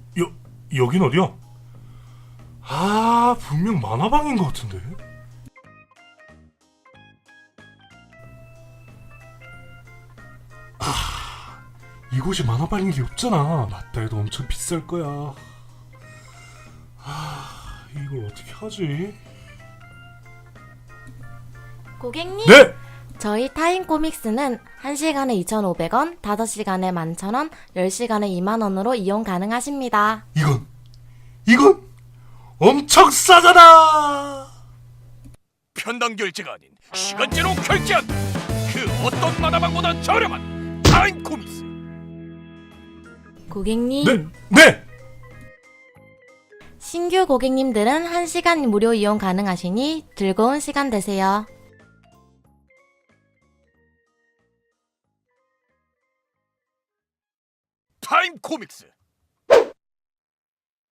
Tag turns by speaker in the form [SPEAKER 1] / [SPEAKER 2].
[SPEAKER 1] 여긴 어디야? 아, 분명 만화방인 것 같은데. 이곳이 만화방인 게 없잖아. 맞다 해도 엄청 비쌀 거야. 이걸 어떻게 하지?
[SPEAKER 2] 고객님,
[SPEAKER 1] 네!
[SPEAKER 2] 저희 타임 코믹스는 1시간에 2,500원, 5시간에 11,000원, 10시간에 20,000원으로 이용 가능하십니다.
[SPEAKER 1] 이건 엄청 싸잖아!
[SPEAKER 3] 편당 결제가 아닌 시간제로 결제한다. 그 어떤 만화방보다 저렴한 타임 코믹스.
[SPEAKER 2] 고객님,
[SPEAKER 1] 네!
[SPEAKER 2] 신규 고객님들은 1시간 무료 이용 가능하시니 즐거운 시간 되세요.
[SPEAKER 3] 타임 코믹스